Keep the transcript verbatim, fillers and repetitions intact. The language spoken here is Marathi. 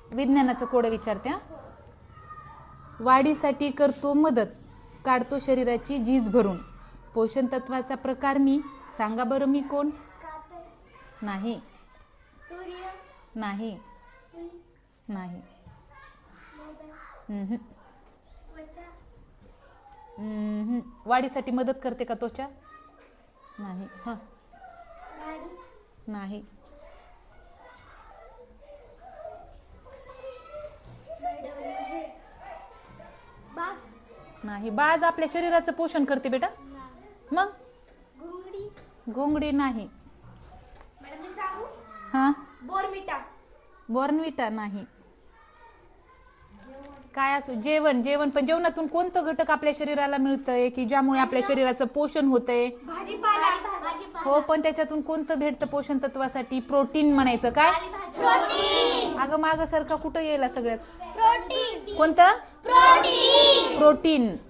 विज्ञानाचं कोड विचारते हा. वाढीसाठी करतो मदत, काढतो शरीराची झीज भरून, पोषण तत्वाचा प्रकार मी, सांगा बरं मी कोण? नाही सूर्य, नाही नाही हम्म. त्वचा, हम्म. वाढीसाठी मदत करते का त्वचा? नाही. हां गाडी, नाही हे, बाज, नाही. बाज आपल्या शरीराचं पोषण करते बेटा. मग घुंगडी. घोंगडी नाही. मॅडम मी सांगू? हां बोर्मिटा. बॉर्नविटा नाही. काय असो जेवण जेवण पण जेवणातून कोणतं घटक आपल्या शरीराला मिळतंय की ज्यामुळे आपल्या शरीराचं पोषण होतंय? भाजीपाला. भाजीपाला. हो पण त्याच्यातून कोणतं भेटतं पोषण तत्वासाठी? प्रोटीन म्हणायचं. काय? प्रोटीन. अगं मागं सारखा कुठं यायला सगळ्यात? प्रोटीन. कोणतं? प्रोटीन. प्रोटीन.